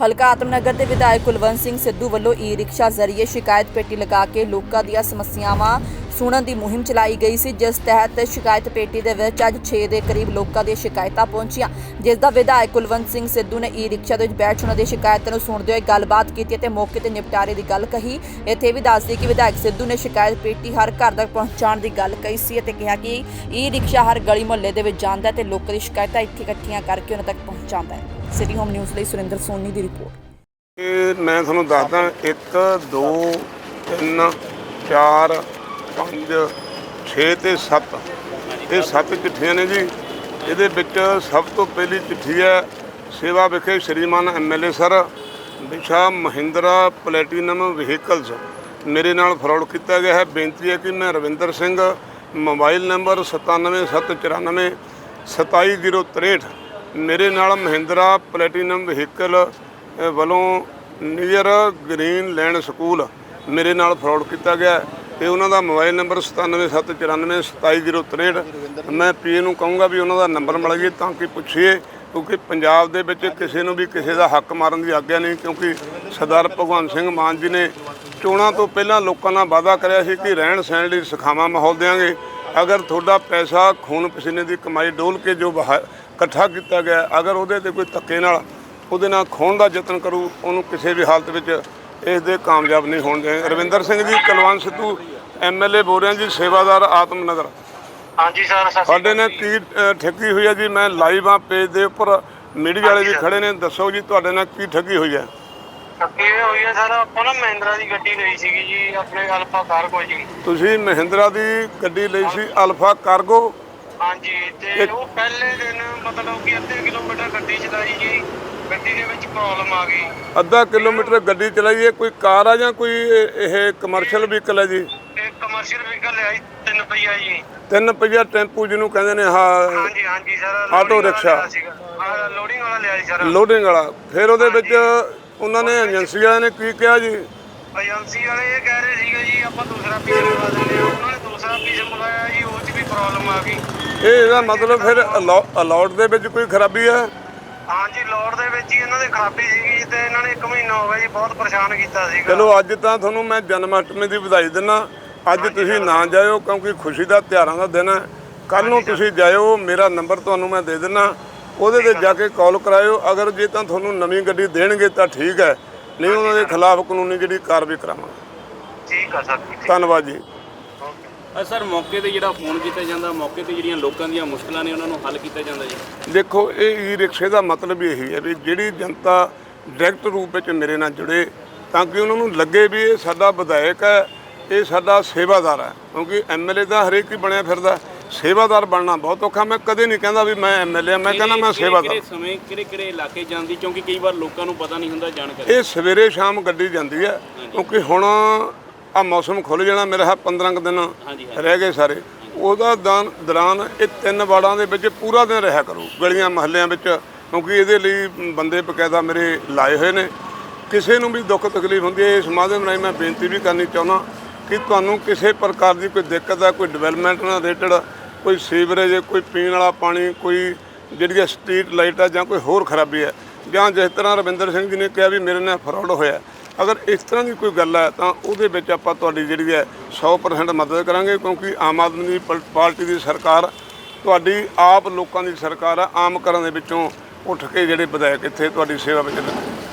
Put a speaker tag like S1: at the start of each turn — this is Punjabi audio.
S1: ਹਲਕਾ ਆਤਮਨਗਰ ਦੇ ਵਿਧਾਇਕ ਕੁਲਵੰਤ ਸਿੰਘ ਸਿੱਧੂ ਵੱਲੋਂ ਈ ਰਿਕਸ਼ਾ ਜ਼ਰੀਏ ਸ਼ਿਕਾਇਤ ਪੇਟੀ ਲਗਾ ਕੇ ਲੋਕਾਂ ਦੀਆਂ ਸਮੱਸਿਆਵਾਂ ਸੁਣਨ ਦੀ ਮੁਹਿੰਮ ਚਲਾਈ ਗਈ ਸੀ, ਜਿਸ ਤਹਿਤ ਸ਼ਿਕਾਇਤ ਪੇਟੀ ਦੇ ਵਿੱਚ ਅੱਜ 6 ਦੇ ਕਰੀਬ ਲੋਕਾਂ ਦੀਆਂ ਸ਼ਿਕਾਇਤਾਂ ਪਹੁੰਚੀਆਂ, ਜਿਸ ਦਾ ਵਿਧਾਇਕ ਕੁਲਵੰਤ ਸਿੰਘ ਸਿੱਧੂ ਨੇ ਈ ਰਿਕਸ਼ਾ ਦੇ ਵਿੱਚ ਬੈਠ ਉਹਨਾਂ ਦੀ ਸ਼ਿਕਾਇਤਾਂ ਨੂੰ ਸੁਣਦੇ ਹੋਏ ਗੱਲਬਾਤ ਕੀਤੀ ਅਤੇ ਮੌਕੇ ਤੇ ਨਿਪਟਾਰੇ ਦੀ ਗੱਲ ਕਹੀ। ਇੱਥੇ ਵੀ ਦੱਸਦੀ ਕਿ ਵਿਧਾਇਕ ਸਿੱਧੂ ਨੇ ਸ਼ਿਕਾਇਤ ਪੇਟੀ ਹਰ ਘਰ ਤੱਕ ਪਹੁੰਚਾਉਣ ਦੀ ਗੱਲ ਕਹੀ ਸੀ ਅਤੇ ਕਿਹਾ ਕਿ ਈ ਰਿਕਸ਼ਾ ਹਰ ਗਲੀ ਮੁਹੱਲੇ ਦੇ ਵਿੱਚ ਜਾਂਦਾ ਤੇ ਲੋਕਾਂ ਦੀ ਸ਼ਿਕਾਇਤਾਂ ਇੱਥੇ ਇਕੱਠੀਆਂ ਕਰਕੇ ਉਹਨਾਂ ਤੱਕ ਪਹੁੰਚਾਉਂਦਾ ਹੈ। ਸਿਟੀ ਹੋਮ ਨਿਊਜ਼ ਲਈ ਸੁਰਿੰਦਰ ਸੋਨੀ ਦੀ ਰਿਪੋਰਟ।
S2: मैं थोड़ा दसदा 1 2 3 4 5 6 ਤੇ 7 ਇਹ 7 चिट्ठियां ने जी। ਇਹਦੇ ਵਿੱਚ ਸਭ ਤੋਂ ਪਹਿਲੀ चिट्ठी है सेवा विखे श्रीमान MLA सर विशा महिंद्रा प्लैटिनम व्हीकल्स मेरे नाल फ्रॉड किया गया है। बेनती है कि मैं रविंदर सिंह मोबाइल नंबर 9774 27063 मेरे नाल महिंद्रा प्लैटिनम व्हीकल ਵੱਲੋਂ ਨੀਅਰ ਗ੍ਰੀਨ ਲੈਂਡ ਸਕੂਲ ਮੇਰੇ ਨਾਲ ਫਰਾਡ ਕੀਤਾ ਗਿਆ ਤੇ ਉਹਨਾਂ ਦਾ ਮੋਬਾਈਲ ਨੰਬਰ 9774 27063। ਮੈਂ ਪੀਏ ਨੂੰ ਕਹੂੰਗਾ ਵੀ ਉਹਨਾਂ ਦਾ ਨੰਬਰ ਮਿਲਾਈਏ ਤਾਂ ਕਿ ਪੁੱਛੀਏ, ਕਿਉਂਕਿ ਪੰਜਾਬ ਦੇ ਵਿੱਚ ਕਿਸੇ ਨੂੰ ਵੀ ਕਿਸੇ ਦਾ ਹੱਕ ਮਾਰਨ ਦੀ ਆਗਿਆ ਨਹੀਂ, ਕਿਉਂਕਿ ਸਰਦਾਰ ਭਗਵੰਤ ਸਿੰਘ ਮਾਨ ਜੀ ਨੇ ਚੋਣਾਂ ਤੋਂ ਪਹਿਲਾਂ ਲੋਕਾਂ ਨਾਲ ਵਾਅਦਾ ਕਰਿਆ ਸੀ ਕਿ ਰਹਿਣ ਸਹਿਣ ਲਈ ਸਿਖਾਵਾਂ ਮਾਹੌਲ ਦੇਵਾਂਗੇ। ਅਗਰ ਤੁਹਾਡਾ ਪੈਸਾ ਖੂਨ ਪਸੀਨੇ ਦੀ ਕਮਾਈ ਡੋਲ ਕੇ ਜੋ ਇਕੱਠਾ ਕੀਤਾ ਗਿਆ, ਅਗਰ ਉਹਦੇ 'ਤੇ ਕੋਈ ਧੱਕੇ ਨਾਲ ਉਹਦੇ ਨਾਲ ਖੋਹਣ ਦਾ ਯਤਨ ਕਰੂ, ਉਹਨੂੰ ਕਿਸੇ ਵੀ ਹਾਲਤ ਵਿੱਚ ਇਸ ਦੇ ਕਾਮਯਾਬ ਨਹੀਂ ਹੋਣ ਦੇ। ਰਵਿੰਦਰ ਸਿੰਘ ਜੀ, ਕੁਲਵੰਤ ਸਿੱਧੂ MLA ਬੋਲ ਰਿਹਾ ਜੀ, ਸੇਵਾਦਾਰ ਆਤਮਨਗਰ।
S3: ਹਾਂਜੀ ਸਰ,
S2: ਸਾਡੇ ਨੇ ਕੀ ਠੱਗੀ ਹੋਈ ਹੈ ਜੀ? ਮੈਂ ਲਾਈਵ ਆ ਪੇਜ ਦੇ ਉੱਪਰ, ਮੀਡੀਆ ਵਾਲੇ ਵੀ ਖੜੇ ਨੇ, ਦੱਸੋ ਜੀ ਤੁਹਾਡੇ ਨਾਲ ਕੀ ਠੱਗੀ ਹੋਈ ਹੈ?
S3: ਠੱਗੀ ਹੋਈ ਹੈ ਸਰ, ਆਪਾਂ ਨਾ ਮਹਿੰਦਰਾ ਦੀ ਗੱਡੀ ਲਈ ਸੀਗੀ ਜੀ, ਆਪਣੇ ਅਲਫਾ ਕਾਰਗੋ ਜੀ।
S2: ਤੁਸੀਂ ਮਹਿੰਦਰਾ ਦੀ ਗੱਡੀ ਲਈ ਸੀ ਅਲਫਾ ਕਾਰਗੋ?
S3: ਹਾਂਜੀ, ਤੇ ਉਹ ਪਹਿਲੇ ਦਿਨ ਮਤਲਬ ਕਿ ਅੱਧੇ ਕਿਲੋਮੀਟਰ ਗੱਡੀ ਚਲਾਈ ਜੀ, ਗੱਡੀ ਦੇ ਵਿੱਚ ਪ੍ਰੋਬਲਮ ਆ ਗਈ।
S2: ਅੱਧਾ ਕਿਲੋਮੀਟਰ ਗੱਡੀ ਚਲਾਈਏ, ਕੋਈ ਕਾਰ ਆ ਜਾਂ ਕੋਈ ਇਹ ਕਮਰਸ਼ੀਅਲ ਵਹੀਕਲ ਹੈ ਜੀ?
S3: ਇਹ ਕਮਰਸ਼ੀਅਲ ਵਹੀਕਲ ਹੈ ਜੀ, 3 ਪਹੀਆ ਜੀ।
S2: 3 ਪਹੀਆ ਟੈਂਪੂ ਜਿਹਨੂੰ ਕਹਿੰਦੇ ਨੇ। ਹਾਂ
S3: ਹਾਂਜੀ ਹਾਂਜੀ ਸਰ,
S2: ਆਟੋ ਰਿਕਸ਼ਾ
S3: ਲੋਡਿੰਗ ਵਾਲਾ ਲਿਆ ਜੀ ਸਰ।
S2: ਲੋਡਿੰਗ ਵਾਲਾ। ਫਿਰ ਉਹਦੇ ਵਿੱਚ ਉਹਨਾਂ ਨੇ ਏਜੰਸੀ ਵਾਲਿਆਂ ਨੇ ਕੀ ਕਿਹਾ ਜੀ?
S3: ਏਜੰਸੀ ਵਾਲੇ ਇਹ ਕਹਿ ਰਹੇ ਸੀਗੇ ਜੀ ਆਪਾਂ ਦੂਸਰਾ ਪੀਸ ਮੰਗਾ ਦਿੰਦੇ ਹਾਂ। ਉਹਨਾਂ ਨੇ ਦੂਸਰਾ ਪੀਸ ਮੰਗਾਇਆ ਜੀ, ਉਹ 'ਚ ਵੀ ਪ੍ਰੋਬਲਮ ਆ ਗਈ।
S2: ਇਹਦਾ ਮਤਲਬ ਫਿਰ ਅਲਾਟ ਦੇ ਵਿੱਚ ਕੋਈ ਖਰਾਬੀ ਹੈ?
S3: ਹਾਂਜੀ, ਲੋਡ ਦੇ ਵਿੱਚ ਹੀ ਇਹਨਾਂ ਦੀ ਖਰਾਬੀ ਸੀਗੀ ਤੇ ਇਹਨਾਂ ਨੇ 1 ਮਹੀਨਾ ਹੋ ਗਿਆ ਜੀ ਬਹੁਤ ਪਰੇਸ਼ਾਨ ਕੀਤਾ ਸੀਗਾ।
S2: ਚਲੋ ਅੱਜ ਤਾਂ ਤੁਹਾਨੂੰ ਮੈਂ ਜਨਮ ਅਸ਼ਟਮੀ ਦੀ ਵਧਾਈ ਦਿੰਦਾ। ਅੱਜ ਤੁਸੀਂ ਨਾ ਜਾਇਓ ਕਿਉਂਕਿ ਖੁਸ਼ੀ ਦਾ ਤਿਉਹਾਰਾਂ ਦਾ ਦਿਨ ਹੈ। ਕੱਲ੍ਹ ਨੂੰ ਤੁਸੀਂ ਜਾਇਓ, ਮੇਰਾ ਨੰਬਰ ਤੁਹਾਨੂੰ ਮੈਂ ਦੇ ਦਿੰਦਾ, ਉਹਦੇ 'ਤੇ ਜਾ ਕੇ ਕਾਲ ਕਰਾਇਓ। ਅਗਰ ਜੇ ਤਾਂ ਤੁਹਾਨੂੰ ਨਵੀਂ ਗੱਡੀ ਦੇਣਗੇ ਤਾਂ ਠੀਕ ਹੈ, ਨਹੀਂ ਉਹਨਾਂ ਦੇ ਖਿਲਾਫ ਕਾਨੂੰਨੀ ਜਿਹੜੀ ਕਾਰਵਾਈ ਕਰਾਵਾਂਗੇ।
S3: ਠੀਕ ਆ ਸਰ,
S2: ਧੰਨਵਾਦ ਜੀ।
S4: ਸਰ, ਮੌਕੇ ਤੇ ਜਿਹੜਾ ਫੋਨ ਕੀਤਾ ਜਾਂਦਾ, ਮੌਕੇ ਤੇ ਜਿਹੜੀਆਂ ਲੋਕਾਂ ਦੀਆਂ ਮੁਸ਼ਕਲਾਂ ਨੇ ਉਹਨਾਂ ਨੂੰ ਹੱਲ ਕੀਤਾ ਜਾਂਦਾ ਜੀ?
S2: ਦੇਖੋ, ਇਹ ਈ ਰਿਕਸ਼ੇ ਦਾ ਮਤਲਬ ਇਹੀ ਹੈ ਵੀ ਜਿਹੜੀ ਜਨਤਾ ਡਾਇਰੈਕਟ ਰੂਪ ਵਿੱਚ ਮੇਰੇ ਨਾਲ ਜੁੜੇ, ਤਾਂ ਕਿ ਉਹਨਾਂ ਨੂੰ ਲੱਗੇ ਵੀ ਇਹ ਸਾਡਾ ਵਿਧਾਇਕ ਹੈ, ਇਹ ਸਾਡਾ ਸੇਵਾਦਾਰ ਹੈ। ਕਿਉਂਕਿ MLA ਦਾ ਹਰੇਕ ਹੀ ਬਣਿਆ ਫਿਰਦਾ, ਸੇਵਾਦਾਰ ਬਣਨਾ ਬਹੁਤ ਔਖਾ। ਮੈਂ ਕਦੇ ਨਹੀਂ ਕਹਿੰਦਾ ਵੀ ਮੈਂ MLA, ਮੈਂ ਕਹਿੰਦਾ ਮੈਂ ਸੇਵਾਦਾਰ।
S4: ਕਿਹੜੇ ਸਮੇਂ ਕਿਹੜੇ ਇਲਾਕੇ ਜਾਂਦੀ, ਕਿਉਂਕਿ ਕਈ ਵਾਰ ਲੋਕਾਂ ਨੂੰ ਪਤਾ ਨਹੀਂ ਹੁੰਦਾ ਜਾਣਕਾਰੀ?
S2: ਇਹ ਸਵੇਰੇ ਸ਼ਾਮ ਗੱਡੀ ਜਾਂਦੀ ਹੈ, ਕਿਉਂਕਿ ਹੁਣ ਆ ਮੌਸਮ ਖੁੱਲ੍ਹ ਜਾਣਾ, ਮੇਰਾ 15 ਕੁ ਦਿਨ ਰਹਿ ਗਏ ਸਾਰੇ। ਉਹਦਾ ਦੌਰਾਨ ਇਹ 3 ਵਾਰਡਾਂ ਦੇ ਵਿੱਚ ਪੂਰਾ ਦਿਨ ਰਿਹਾ ਕਰੂ, ਗਲੀਆਂ ਮਹੱਲਿਆਂ ਵਿੱਚ, ਕਿਉਂਕਿ ਇਹਦੇ ਲਈ ਬੰਦੇ ਬਕਾਇਦਾ ਮੇਰੇ ਲਾਏ ਹੋਏ ਨੇ। ਕਿਸੇ ਨੂੰ ਵੀ ਦੁੱਖ ਤਕਲੀਫ ਹੁੰਦੀ ਹੈ, ਇਸ ਮਾਧਿਅਮ ਰਾਹੀਂ ਮੈਂ ਬੇਨਤੀ ਵੀ ਕਰਨੀ ਚਾਹੁੰਦਾ ਕਿ ਤੁਹਾਨੂੰ ਕਿਸੇ ਪ੍ਰਕਾਰ ਦੀ ਕੋਈ ਦਿੱਕਤ ਹੈ, ਕੋਈ ਡਿਵੈਲਪਮੈਂਟ ਨਾਲ ਰਿਲੇਟਡ, ਕੋਈ ਸੀਵਰੇਜ, ਕੋਈ ਪੀਣ ਵਾਲਾ ਪਾਣੀ, ਕੋਈ ਜਿਹੜੀ ਸਟਰੀਟ ਲਾਈਟ ਹੈ, ਜਾਂ ਕੋਈ ਹੋਰ ਖਰਾਬੀ ਹੈ, ਜਾਂ ਜਿਸ ਤਰ੍ਹਾਂ ਰਵਿੰਦਰ ਸਿੰਘ ਜੀ ਨੇ ਕਿਹਾ ਵੀ ਮੇਰੇ ਨਾਲ ਫਰਾਡ ਹੋਇਆ, ਅਗਰ ਇਸ ਤਰ੍ਹਾਂ ਦੀ ਕੋਈ ਗੱਲ ਹੈ ਤਾਂ ਉਹਦੇ ਵਿੱਚ ਆਪਾਂ ਤੁਹਾਡੀ ਜਿਹੜੀ ਹੈ 100% ਮਦਦ ਕਰਾਂਗੇ। ਕਿਉਂਕਿ ਆਮ ਆਦਮੀ ਪਾਰਟੀ ਦੀ ਸਰਕਾਰ ਤੁਹਾਡੀ ਆਪ ਲੋਕਾਂ ਦੀ ਸਰਕਾਰ ਹੈ। ਆਮ ਘਰਾਂ ਦੇ ਵਿੱਚੋਂ ਉੱਠ ਕੇ ਜਿਹੜੇ ਵਿਧਾਇਕ ਇੱਥੇ ਤੁਹਾਡੀ ਸੇਵਾ ਵਿੱਚ